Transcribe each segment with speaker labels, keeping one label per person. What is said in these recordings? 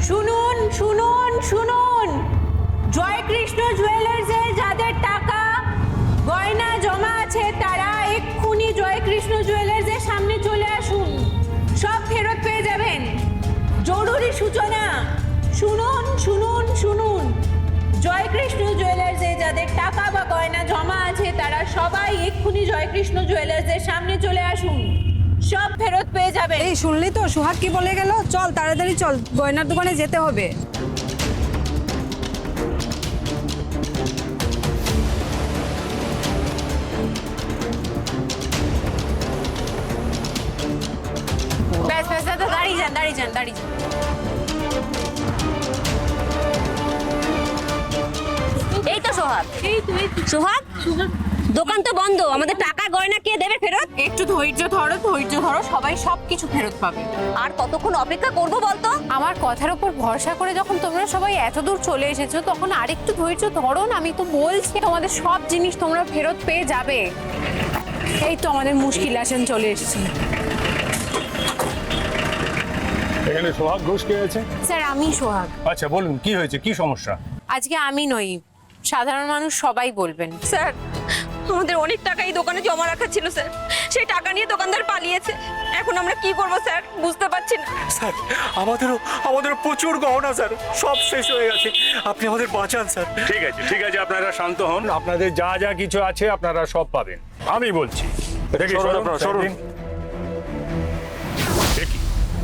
Speaker 1: শুনুন শুনুন শুনুন, জয়কৃষ্ণ জুয়েলার্সে যাদের টাকা গয়না জমা আছে তারা এক্ষুনি জয়কৃষ্ণ জুয়েলার্সের সামনে চলে আসুন, সব ফেরত পেয়ে যাবেন। জরুরি সূচনা, শুনুন শুনুন শুনুন, জয়কৃষ্ণ জুয়েলার্সে যাদের টাকা বা গয়না জমা আছে তারা সবাই এক্ষুনি জয়কৃষ্ণ জুয়েলার্সের সামনে চলে আসুন, সব ফেরত পেয়ে যাবেন।
Speaker 2: এই শুনলি তো সোহাগ কি বলে গেল? চল তাড়াতাড়ি চল, গয়নার দোকানে যেতে হবে।
Speaker 1: ব্যাস ব্যাস দাদা, দাঁড়িয়ে যান দাঁড়িয়ে যান দাঁড়িয়ে যান।
Speaker 3: এই তো সোহাগ।
Speaker 1: এই তুই
Speaker 3: সোহাগ, দোকান তো বন্ধ, আমাদের টাকা গয়না কে দেবে ফেরত?
Speaker 1: একটু ধৈর্য ধরো, সবাই সবকিছু ফেরত পাবে।
Speaker 3: আর কতক্ষণ অপেক্ষা করবো বলতো?
Speaker 1: আমার কথার উপর ভরসা করে যখন তোমরা সবাই এত দূর চলে এসেছো তখন আরেকটু ধৈর্য ধরো না, আমি তো বলছি তোমাদের সব জিনিস তোমরা ফেরত পেয়ে যাবে। এই তো আমাদের মুশকিল আসেন চলে এসেছে।
Speaker 4: এখানে সোহাগ ঘোষ কে আছে?
Speaker 1: স্যার আমি সোহাগ।
Speaker 4: আচ্ছা বলুন কি হয়েছে, কি সমস্যা?
Speaker 1: আজকে আমি নই, সাধারণ মানুষ সবাই বলবেন।
Speaker 3: স্যার, আমাদের অনেক টাকা এই দোকানে জমা রাখা ছিল স্যার, সেই টাকা নিয়ে দোকানদার পালিয়েছে। এখন আমরা কি করবো স্যার, বুঝতে পারছি না।
Speaker 5: স্যার আমাদেরও প্রচুর গহনা স্যার, সব শেষ হয়ে গেছে, আপনি আমাদের বাঁচান স্যার।
Speaker 4: ঠিক আছে আপনারা শান্ত হন, আপনাদের যা যা কিছু আছে আপনারা সব পাবেন, আমি বলছি। দেখি,
Speaker 5: সরুন
Speaker 4: সরুন,
Speaker 5: আপনারা, সরুন।
Speaker 4: দেখি। দেখি,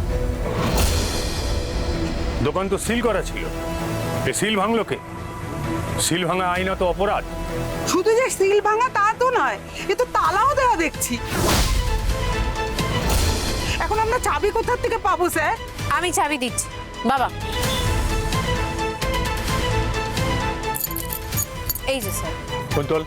Speaker 4: দোকান তো সিল করা ছিল, এ সিল ভাঙলো কে? সিল ভাঙা আইনত অপরাধ।
Speaker 2: শুধু যে সিল ভাঙা তা তো নয়, এ তো তালাও দেওয়া দেখছি। এখন আমরা চাবি কোথা থেকে পাবো স্যার?
Speaker 1: আমি চাবি দিচ্ছি বাবা, এই যে sir.
Speaker 4: Kuntal,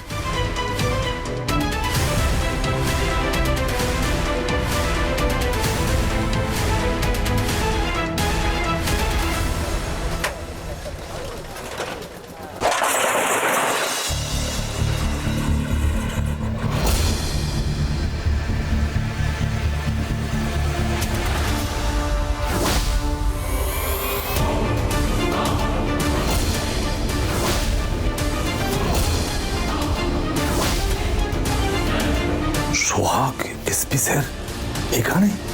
Speaker 5: Sohag SP sir এখানে?